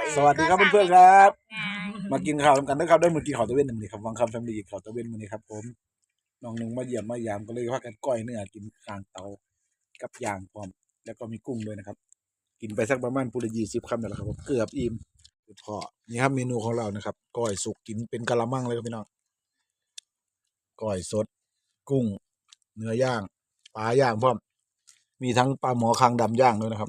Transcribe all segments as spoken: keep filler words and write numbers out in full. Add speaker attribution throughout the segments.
Speaker 1: สวัสดีครับเพื่อนๆครับมากินข้าวกันนะครับได้มากินข้าวตะเวนหนึ่งเลยครับวังคำแฟมิลี่ข้าวตะเวนวันนี้ครับผมน้องหนึ่งมาเยี่ยมมายามก็เลยว่ากันก้อยเนื้อกินข้างเตากับย่างพร้อมแล้วก็มีกุ้งด้วยนะครับกินไปสักประมาณปุระยี่สิบคำนี่แหละครับผมเกือบอิ่มพอนี่ครับเมนูของเรานะครับก้อยสุกกินเป็นกะละมังเลยครับพี่น้องก้อยสดกุ้งเนื้อย่างปลาย่างพร้อมมีทั้งปลาหมอคางดำย่างด้วยนะครับ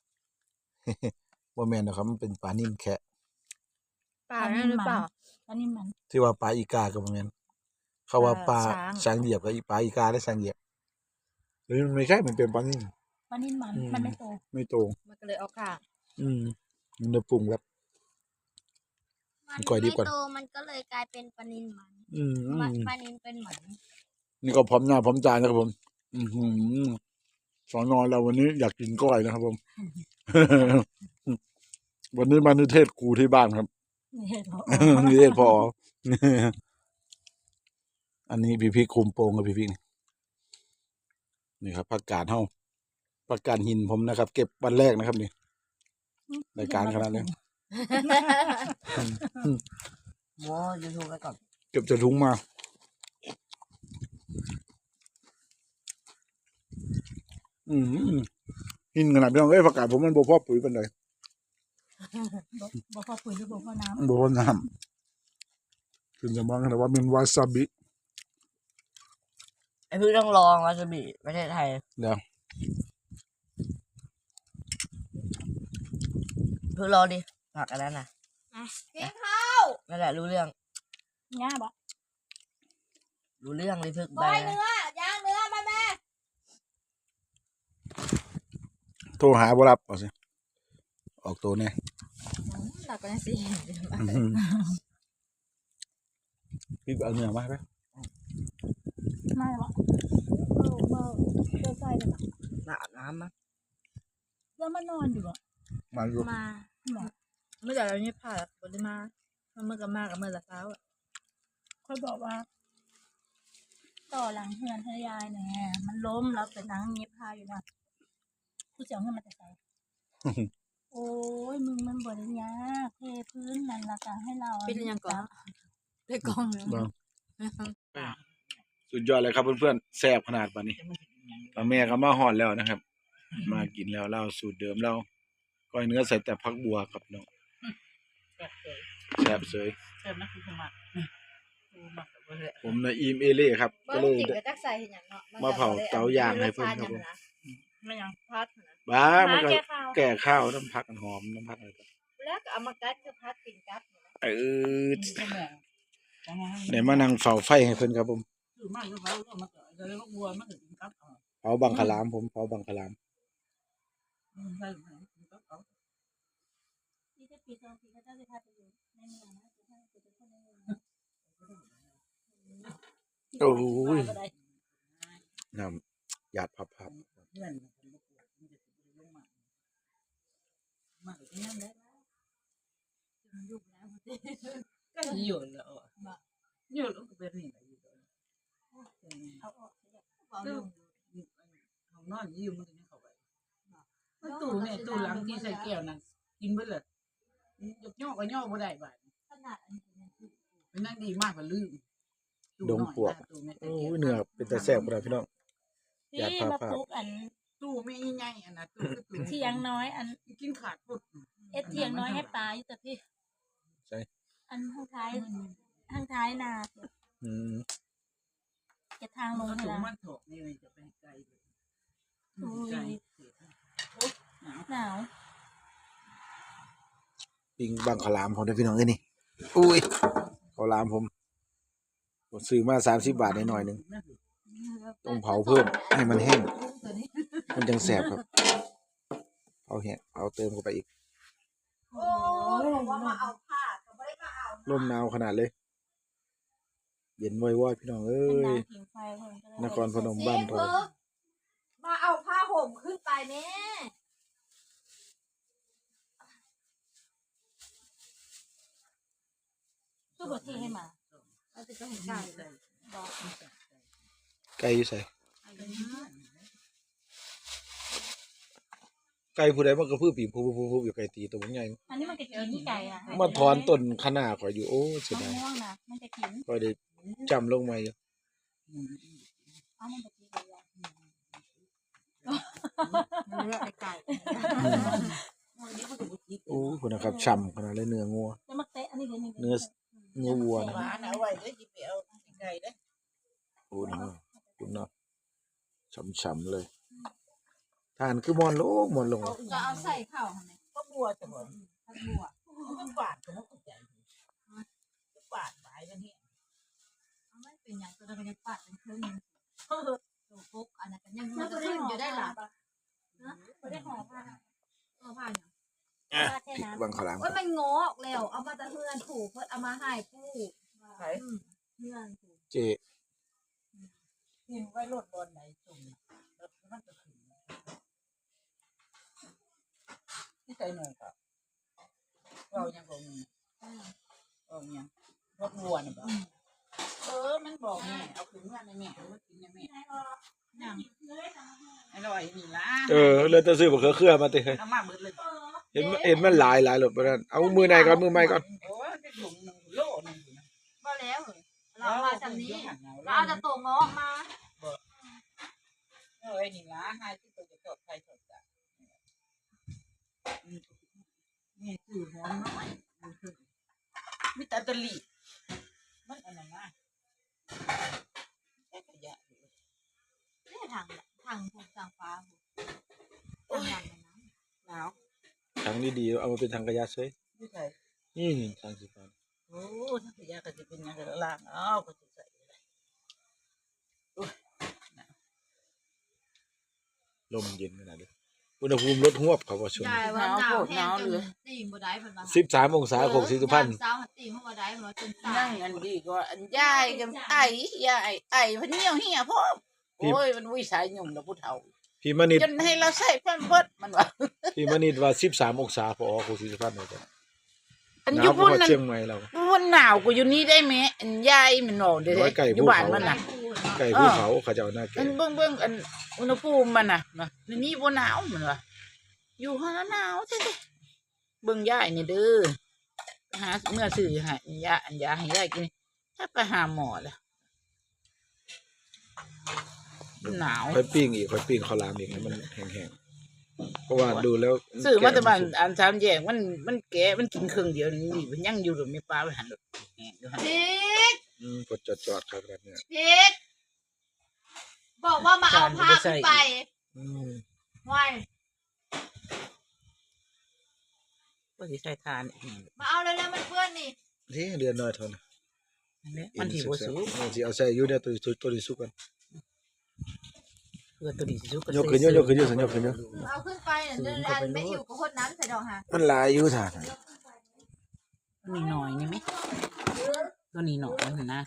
Speaker 1: ว่าแมนนะครับมันเป็นปลานิ่มแคะ
Speaker 2: ปลาหรือเปล่าปลานิ่มมัน
Speaker 1: ที่ว่าปลาอีกากับว่าแมนเขาว่าปลาช้างเหยียบกับปลาอีกาได้ช้างเหยียบหรือมันไม่ใช่มันเป็นปลานิ่ม
Speaker 2: ปลานิ่มมันมันไม่โต
Speaker 1: ไม่โต
Speaker 2: มันก็เลยเอากาก
Speaker 1: อืมมันจะปรุงแบบ
Speaker 3: มันไม่โตมันก็เลยกลายเป็นปลานิลมัน
Speaker 1: อืม
Speaker 3: ปลานิลเป็นหมัน
Speaker 1: นี่ก็พร้อมหน้าพร้อมตานะครับผม อือหือสอนอนเราวันนี้อยากกินก้อยนะครับผม วันนี้มานิเทศครูที่บ้านครับนิเทศพอ อันนี้พี่พี่คุมโปงกับพี่พี่นี่ครับผักกาดเฮาผักกาดหินผมนะครับ เก็บวันแรกนะครับนี่รายการขนาดนี้
Speaker 4: โว้ยูทูบไปก่อน
Speaker 1: เก็บจะถุงมาอืมหินขนาดนี้เอ้ยผักกาดผมมันบ่พอปุ๋ยเป็นไร
Speaker 2: บ่พอปุ๋ยหรือบ่พอน้
Speaker 1: ำบ่พอน้ำคือจะมองกันว่าเป็นวาซาบิ
Speaker 4: ไอพี่ต้องลองวาซาบิประเทศไทย
Speaker 1: เดี๋ยว
Speaker 4: พี่รอดิผักอันนั้นน่ะ
Speaker 3: กินข้าว
Speaker 4: นั่นแหละรู้เรื่อง
Speaker 2: ง่าบ่
Speaker 4: รู้เรื่องเลยพึก
Speaker 3: ใบเนื้อย่างเนื้อมาแม่
Speaker 1: โทรหาบ่รับเอาสิออกตัวเนี่ย
Speaker 2: หลักกันสิ
Speaker 1: พี่เอาเนื้อมาไหม
Speaker 2: ไม่หรอกเออเออเจอใจเลย
Speaker 4: หนาน้ำมั้ง
Speaker 2: แล้วมานอนอยู่อ่ะ
Speaker 1: มาอยู่
Speaker 2: มาเมื่อไหร่เราเนี่ยผ่าบนมาเมื่อกับมากับเมื่อละเช้าอ่ะค่อยบอกว่าต่อหลังเฮือนทยายเนี่ยมันล้มแล้วเป็นนังเงียบพาอยู่นะกูจะเอาเงินมาแต่ใส่โอ้ยมึงมันบริยาเทพื้นนั่นละกันให้เราเป็นยังก่อนได้กองเลย
Speaker 1: สุดยอดเลยครับเพื่อนๆแซ่บขนาดปานนี้ป้าแม่ก็มาหอดแล้วนะครับ มากินแล้วเล่าสูตรเดิมเราก้อยเนื้อใส่แต่ผักบัวครับน้องแซ่บเสย
Speaker 2: แซ่บนะคุณสมัคร
Speaker 1: ผมนะอีมเอเล่ครับก็เลยมาเผาเตาย่างให้เพื่อนครับผม
Speaker 2: ไม่ยังพัด
Speaker 1: บ้ามันก็แก่ข้าวน้ำผักหอมน้ำผักอะไร
Speaker 3: แล้วก็เอามากัดคือพัดกินกับ
Speaker 1: เออเดี๋ยวมานั่งเฝ้าไฟให้เพื่อนครับผมเผาบังคลามผมเผาบังคลามโอ้ยน้ำหยาดพับพับ
Speaker 4: ก็อยู่แล้วอยู่แล้วก็เป็นนี่
Speaker 2: เอาออก
Speaker 4: ของนอนอยู่มันจะเข้าไปตู้เนี่ยตู้หลังที่ใส่แก้วนั่นกินไปเลยยกย่อก็ย่อบ่ได้บ่เป็นนั่งดีมากกว่าลืม
Speaker 1: ดงปวกโอ้ยเนื้อเป็นแต่แซ่บกว่าพี่น้อง
Speaker 2: อยากพาพาอัน
Speaker 4: ตู้ไม่ใหญ่อันนะตู้
Speaker 2: เที่ยงน้อยอัน
Speaker 4: กินขาดปุ๊บ
Speaker 2: เอ็ดเที่ยงน้อยให้ปลาอยู่แต่พี่
Speaker 1: ใช่
Speaker 2: อันข้างท้ายข้างท้ายนา
Speaker 1: อืม
Speaker 2: จะทางลง
Speaker 4: เลย
Speaker 2: นะ
Speaker 4: นี่จะไปไกล
Speaker 2: หนาว
Speaker 1: ปิงบังขลามของพี่น้องเอ้ยนี่อุ้ยขลามผมผมซื้อมาสามสิบบาทหน่อยหนึ่งต้องเผาเพิ่มให้มันแห้งมันจังแสบครับเผาแห้งเผาเติมเข้าไปอีก
Speaker 3: โอ้ยว่ามาเอาผ้าก็ไม่ได้มาเอา
Speaker 1: ลมหนาวขนาดเลยเย็นว่อยๆพี่น้องเอ้ยนครพนมบ้านเรา
Speaker 3: มาเอาผ้าห่มขึ้นไปแม่
Speaker 2: ตู้บดที่ให้มาเราจะต้องไก่เลย
Speaker 1: ไก่อยู่ใส่ไก่ผู้ใดมันก็พือปีบผู้ๆๆอยู่ไก่ตีตัวใหญ่
Speaker 2: อันนี้มันจะกินนี่ไก่อ่ะ
Speaker 1: มาถอนต้นคะน้าข่อยอยู่โอ้เสีย
Speaker 2: มะ
Speaker 1: ดาย
Speaker 2: ม่วงนะมันจะกิน
Speaker 1: ข่อยได้จำลงมาอยู่
Speaker 2: เอามันจะกินเลย
Speaker 3: มันเลือกไก่
Speaker 1: โอ้คุณนะครับฉ่ำขนาดเลยเนื้องัว
Speaker 2: แล้วมาเตะอันนี้เลยนี่
Speaker 1: เนื้อเนื้อวัวนะ
Speaker 4: หวานเอาไว้เด้อสิไปเอาไก่เด้อ
Speaker 1: โอ้เนาะคุณเนาะฉ่ำๆเลยทานคือมอนลงมอนลง
Speaker 2: จะเอาใส่ข้าวทำไม
Speaker 4: ก็บัวจะบ่
Speaker 2: ผักบัว
Speaker 4: มันหวานก็บ่เข้าใจหวานหลายมันเฮ็ด
Speaker 2: เอาไม่เป็นอย่างตัวเราจะปัดเป็นครึ่งตัวฟุกอันนั้นกันยังมันจะขึ้นอยู่ได้หรอนะไม่ได้ห่อผ้าห่อผ้าอย่างผ้าแค่นั้น
Speaker 1: บางขาวหลาม
Speaker 2: ว่ามันงอออกแล้วเอามาตะเฮือนถูกเพื่อเอามาให้ผู้
Speaker 4: ไผ
Speaker 2: เฮือนถูก
Speaker 1: เจ
Speaker 4: กินไว้รถบอนไหนจุ่มแล้วมันก็ขึ้นที่ใส่หน่อยครับเรายังบ่มีเออยังรถวัวน่ะบ่เออมันบอกแม่เอาขึ้นมาในแม่เอามากินในแม่
Speaker 2: อย่าง
Speaker 4: อร่อยนี่ล่ะ
Speaker 1: เออเลยต้องซื้อบักเขือเครือมาติ
Speaker 4: เอามาเบิดเลย
Speaker 1: เห็นเห็นมันหลายหลายหลบไปนั่นเอามือไหนก่อนมือไม่ก่อน
Speaker 4: โอ้ยจะถุงหนึ่งโลหนึงอยู่นะ
Speaker 2: ก็แล้วเรามาจากนี้
Speaker 4: เรา
Speaker 2: เราเอาจะตัวงอมา
Speaker 4: เออนี่ล่ะให้ที่ตัวจะตดไฟตดจ้ะนี่คือหอมน้อยมีแต่ตะลีมันอันนั้นนะแค่ขยะ
Speaker 2: เนี่ยทางทางภูทางฟ้าทางนั้นนะ
Speaker 4: หนาว
Speaker 1: ทางนี้ดีเอามาเป็นทางกระยาเฉย
Speaker 4: ไม่ใช่
Speaker 1: นี่ทางสีฟ้า
Speaker 4: โอ้ถ้าขยะก็จะเป็นยังไงล่างอ้าวก็จะใส่
Speaker 1: ลมเย็นขนาดนี้อุณหภูมิลดหวบเขาว่าช่วง
Speaker 2: ยายว่าหนาวแห้งจนตีมบ่ได้เพิ่นว่า
Speaker 1: สิบสามองศาหกสิบพัน
Speaker 2: สาวหัดตีมบ่ได้เพิ่นว่าจนตา
Speaker 4: นั่
Speaker 2: ย
Speaker 4: งอันดีก็อันยายกับไอ้ยายไอ้พันเหี่ยวเหี่ยพ่อโอ้ยมันวิสัยหนุ่มแล้วผู้เฒ่า
Speaker 1: พี่มณิด
Speaker 4: จนให้เราใส่แพมเพิร์สมันว่า
Speaker 1: พี่มณิดว่าสิบสามองศาพอหกสิบพันเลยจ้ะ
Speaker 4: อัน
Speaker 1: ห
Speaker 4: อน
Speaker 1: าว
Speaker 4: ยู่
Speaker 1: ก
Speaker 4: พุ่น
Speaker 1: ว่า
Speaker 4: นั่น
Speaker 1: เชียงใหม่เรา
Speaker 4: พุ่นหนาวกูอยู่นี่ได้ไหมอันยายมันบอกเด้
Speaker 1: ร้อยไก่
Speaker 4: อยู่บ้านมันน่ะ
Speaker 1: ไก่ภูเขาเขาจะเอาหน้าแก่
Speaker 4: อันเบิ่งเบิ่งอันอุณหภูมิมันน่ะนะในนี่บ่หนาวมันว่าอยู่ห้องหนาวแท้ๆเบิ่งยายนี่เด้อไปหาเมื่อซื้อให้ยาอันยาให้ยายกินถ้าไปหาหมอแล้วหนาว
Speaker 1: ค่อยปิ้งอีกค่อยปิ้งข้าวหลามอีกให้มันแห้งๆเพราะว่าดูแล้ว
Speaker 4: ซื้อมาแต่บ้านอันสามแยกมันมันแก่มันกินครึ่งเดียวนี่มันยังอยู่หรือไม่ปลาไปหันหรอกแหงอยู่หั่น
Speaker 2: พีก
Speaker 1: อืมกดจอดๆครับแบบเนี้ย
Speaker 2: พีกบอกว่ามาเอาผ้าขึ้นไป
Speaker 1: อืม
Speaker 2: ไว้
Speaker 4: ก็สิใช้ทานอีกนั่น
Speaker 2: มาเอาเลยแล้วมันเพื่อนนี่
Speaker 1: นี่เดือนน้อยเท่านั้น
Speaker 4: แหละมันที่บ่สูง
Speaker 1: มันสิเอาใส่อยู่เนี่ยตัวตัวตัวที่สุกกัน
Speaker 4: เพื่อตัวนี้สิสุก
Speaker 1: ยกขึ้นยกยกขึ้นยกขึ้นยกขึ้นยก
Speaker 2: เอาขึ้นไปเนี่ยเดินแลนไม่อยู่กับคนนั้นใส่ดอกฮะ
Speaker 1: มันหลายอยู่ท่าน
Speaker 4: ตัวนี้หน่อยนี่ไหมตัวนี้หน่อยนั่นนะ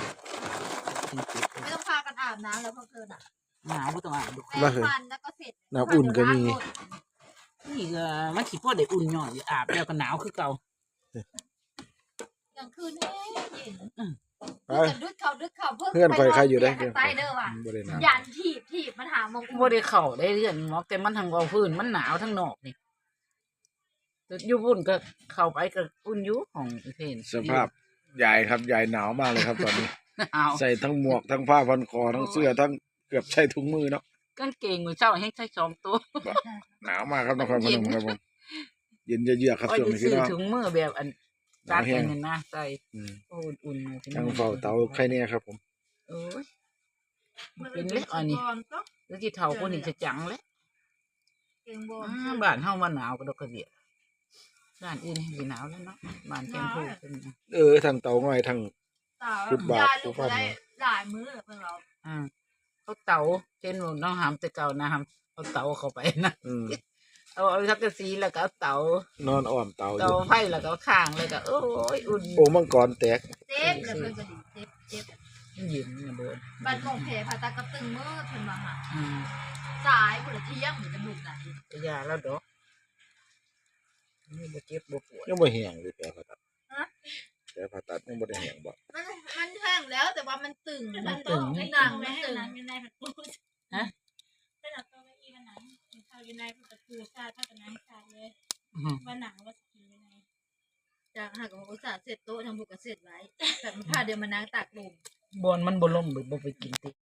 Speaker 2: ไม่ต้องพากันอาบน้ำแล้วพวกเธอน่ะ
Speaker 4: หนาวบ่ต้องอาบดู
Speaker 2: แปรงฟันแล้วก็เสร็จ
Speaker 1: น้ำอุ่นก็มี
Speaker 4: นี่ก็มันสิพอได้อุ่นหน่อยอาบแล้วก็หนาวคือเก่าก
Speaker 2: ลางคืนแห้งเย็น
Speaker 1: ไป
Speaker 2: จะดึกเขาดึกเขาเพิ่ง
Speaker 1: เพื่อนข่อยใครอยู่ได้
Speaker 2: ไปนนเตีงข้างใต้เด้อว่ะ
Speaker 1: บ่ได้น้
Speaker 2: ยันถีบถีบมันหามง
Speaker 4: บ่ได้เข้าได้เรื่องหรอกแต่มันทางเอาพื้นมันหนาวทั้งนอกนี่แต่อยู่บุ่นก็เข้าไปก็อุ่นอยู่ของอีเพน
Speaker 1: ำสภาพใหญ่ครับใหญ่หนาวมากเลยครับตอนนี้
Speaker 4: หนาว
Speaker 1: ใส่ทั้งหมวกทั้งผ้าพันคอทั้งเสื้อทั้งเกือบใช้ถุงมือเนาะ
Speaker 4: กางเกงมือเจ้าให้ใช้สองตัว
Speaker 1: หนาวมากครับนครพนมครับผมเย็นเยือกๆครับ
Speaker 4: ก็
Speaker 1: ช่วง
Speaker 4: จะ
Speaker 1: นี้
Speaker 4: ซื้
Speaker 1: พี่
Speaker 4: อ
Speaker 1: น้อง
Speaker 4: ถุงมือแบบอัน
Speaker 1: ห
Speaker 4: จั
Speaker 1: นา
Speaker 4: ด
Speaker 1: วแห้
Speaker 4: อั
Speaker 1: ง
Speaker 4: นนั้นนะใส่
Speaker 1: อืม
Speaker 4: โอ้อุ่นๆพี่
Speaker 1: ทั้ง
Speaker 4: น้อง
Speaker 1: เฝ้าเตาใครเนี่ยครับผม
Speaker 4: โอ้ยเป็นเล็กอันนี้แล้วที่เท่าคนนี้จะจังเลย
Speaker 2: เก่งบอล
Speaker 4: อ่าบ้านเฮาว่าหนาวก็ดอกกระเดียบ้านอื่นสิหนาวแล้วเนาะบ้านแกงพูเป็น
Speaker 1: เออทางเตาง่อยทาง
Speaker 2: สาว
Speaker 1: ฟุตบาท
Speaker 2: ยายลูก
Speaker 1: ฟุตบาท
Speaker 2: ได้หลายมื้อเพิ่งเรา
Speaker 4: อ่าเขาเตาเช่นว่าน้องหามแต่เก่านะหามเอาเตาเข้าไปนะ
Speaker 1: อืม
Speaker 4: เอาเอาสักกะสีแล้วก็เอาเตาน
Speaker 1: อนอ้อมเตาอ
Speaker 4: เตา
Speaker 1: ยู่
Speaker 4: ไฟแล้วก็เอาข้างแล้วก็โอ้ยอุ่น
Speaker 1: โอ่งมังกรแตก
Speaker 2: เจ็บเลยเพิ่นก็ดีเจ็บเจ็บ
Speaker 4: เย็นมาโดน
Speaker 2: บัดกงเพผ่าตากระตึงมือเพิ่นมาหา
Speaker 4: อืม
Speaker 2: สายพุ่นละเที่ยงหรือจะบุกไหน
Speaker 4: ก็ยาแล้วดอกนี่บ่เจ็บบ่ปวด
Speaker 1: ยังบ่แห้งเลยแผลผ่าตัดแผลผ่าตัดยังบ่ได้แห้งบ่
Speaker 2: มันมันแห้งแล้วแต่ว่ามันตึง
Speaker 4: มันตึง
Speaker 2: ไม่หนังมันตึง
Speaker 4: ฮะ
Speaker 2: เป็นเอาตัวอีมันหนังเข้าอยู่ในประตูชาติจากหากอุตส่าห์เสร็จโต๊ะทำบุกเสร็จไว้แต่มันพาเดียวมานั่งตากลม
Speaker 4: บอนมันบ่ล่มบ่บ่ไปกินติ